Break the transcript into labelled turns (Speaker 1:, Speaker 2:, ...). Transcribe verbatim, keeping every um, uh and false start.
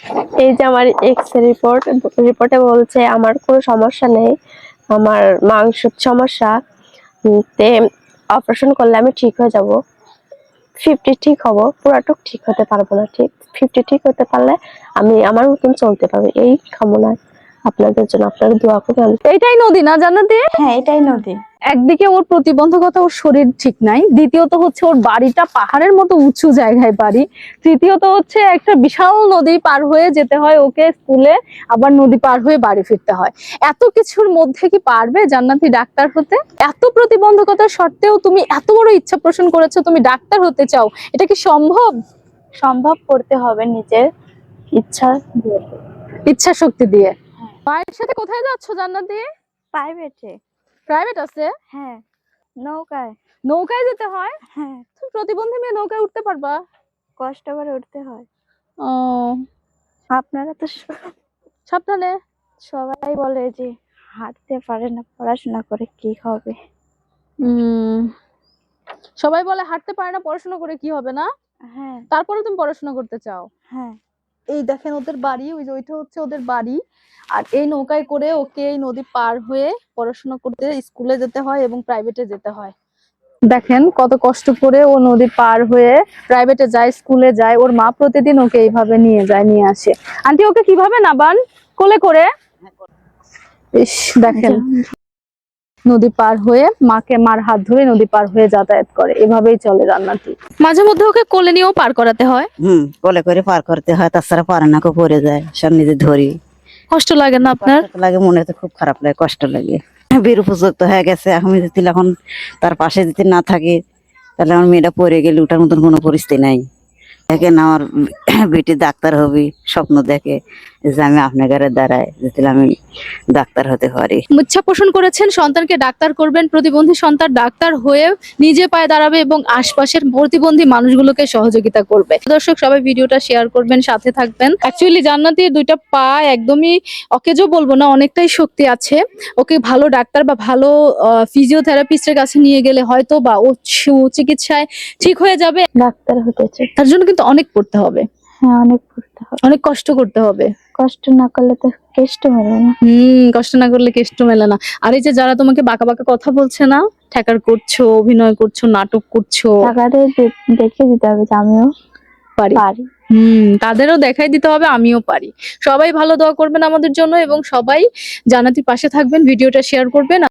Speaker 1: এই যে আমার এক্স রিপোর্ট, রিপোর্টে বলছে আমার কোনো সমস্যা নেই, আমার মাংসের সমস্যা, তে অপারেশন করলে আমি ঠিক হয়ে যাব। ফিফটি ঠিক হব, পুরাটুক ঠিক হতে পারবো না, ঠিক ফিফটি ঠিক হতে পারলে আমি আমার মতন চলতে পারবো। এই কামনায় আপনাদের জন্য, আপনারা দোয়া করবেন।
Speaker 2: এইটাই নদী না জান্নাতি?
Speaker 1: হ্যাঁ, এটাই নদী।
Speaker 2: একদিকে ওর প্রতিবন্ধকতা, ওর শরীর ঠিক নাই, দ্বিতীয়ত হচ্ছে ওর বাড়িটা পাহাড়ের মতো উঁচু জায়গায় বাড়ি, তৃতীয়ত হচ্ছে একটা বিশাল নদী পার হয়ে যেতে হয় ওকে স্কুলে, আবার নদী পার হয়ে বাড়ি ফিরতে হয়। এত কিছুর মধ্যে কি পারবে জান্নাতি ডাক্তার হতে? এত প্রতিবন্ধকতা সত্ত্বেও তুমি এত বড় ইচ্ছা পোষণ করেছো, তুমি ডাক্তার হতে চাও, এটা কি সম্ভব?
Speaker 1: সম্ভব করতে হবে নিজের ইচ্ছা দিয়ে,
Speaker 2: ইচ্ছা শক্তি দিয়ে। মায়ের সাথে কোথায় যাচ্ছ জান্নাতি?
Speaker 1: প্রাইভেটে।
Speaker 2: প্রাইভেট আছে?
Speaker 1: হ্যাঁ, নৌকায়।
Speaker 2: নৌকায় যেতে হয়?
Speaker 1: হ্যাঁ,
Speaker 2: তুমি প্রতিবন্ধী মেয়ে নৌকায় উঠতে পারবা?
Speaker 1: কষ্ট করে উঠতে হয়।
Speaker 2: ও,
Speaker 1: আপনারা তো স-
Speaker 2: সাবধানে।
Speaker 1: সবাই বলে যে হাঁটতে পারে না, পড়াশোনা করে কি হবে।
Speaker 2: উম সবাই বলে হাঁটতে পারে না, পড়াশোনা করে কি হবে না?
Speaker 1: হ্যাঁ,
Speaker 2: তারপরে তুমি পড়াশোনা করতে চাও?
Speaker 1: হ্যাঁ।
Speaker 2: এই দেখেন ওদের বাড়ি, ওই যে ওইটা হচ্ছে ওদের বাড়ি, আর এই নৌকায় করে ওকে এই নদী পার হয়ে পড়াশোনা করতে স্কুলে যেতে হয় এবং প্রাইভেটে যেতে হয়। দেখেন কত কষ্ট করে ও নদী পার হয়ে প্রাইভেটে যায়, স্কুলে যায়, ওর মা প্রতিদিন ওকে এইভাবে নিয়ে যায়, নিয়ে আসে। আন্টি ওকে কিভাবে নাবান? কোলে করে? ইস, দেখেন নদী পার হয়ে মাকে, মার হাত ধরে নদী পার হয়ে যাতায়াত করে, এভাবেই চলে জান্নাতি। মাঝে মধ্যে ওকে কোলে নিয়েও পার করাতে হয়।
Speaker 3: হুম, কোলে করে পার করতে হয়, তাছাড়া পারে না, কেউ পড়ে যায়, সব নিজে ধরি।
Speaker 2: কষ্ট লাগে না আপনার?
Speaker 3: কষ্ট লাগে, মনে তো খুব খারাপ লাগে, কষ্ট লাগে। বীর উপযুক্ত হয়ে গেছে, আমি যদি এখন তার পাশে যদি না থাকি তাহলে আমার মেয়েটা পড়ে গেলে ওটার মতন কোনো পরিস্থিতি নাই। দেখেন আমার বেটি ডাক্তার হবে, স্বপ্ন দেখে যে আমি আপনার ঘরে দাঁড়ায় যদি আমি ডাক্তার হতে পারি।
Speaker 2: ইচ্ছা পোষণ করেছেন সন্তানকে ডাক্তার করবেন, প্রতিবন্ধী সন্তান ডাক্তার হয়ে নিজে পায়ে দাঁড়াবে এবং আশপাশের প্রতিবন্ধী মানুষগুলোকে সহযোগিতা করবে। দর্শক সবাই ভিডিওটা শেয়ার করবেন, সাথে থাকবেন। অ্যাকচুয়ালি জান্নাতির দুইটা পা একদমই অকেজো বলবো না, অনেকটাই শক্তি আছে। ওকে ভালো ডাক্তার বা ভালো ফিজিওথেরাপিস্টের কাছে নিয়ে গেলে হয়তো বা ও চিকিৎসায় ঠিক হয়ে যাবে।
Speaker 1: ডাক্তার হতে চাই।
Speaker 2: তার জন্য কিন্তু অনেক পড়তে হবে,
Speaker 1: হ্যাঁ, অনেক পড়তে হবে,
Speaker 2: অনেক কষ্ট করতে হবে।
Speaker 1: কষ্ট না করলে তো কেষ্ট মেলে না।
Speaker 2: হম, কষ্ট না করলে কেষ্ট মেলে না। আর এই যে যারা তোমাকে বাঁকা বাঁকা কথা বলছে না, ঠ্যাকার করছো, অভিনয় করছো, নাটক করছো,
Speaker 1: টাকাটা দেখে দিতে হবে যে আমিও
Speaker 2: পারি
Speaker 1: পারি।
Speaker 2: হম, তাদেরও দেখাই দিতে হবে আমিও পারি। সবাই ভালো দোয়া করবেন আমাদের জন্য এবং সবাই জান্নাতির পাশে থাকবেন, ভিডিওটা শেয়ার করবেন।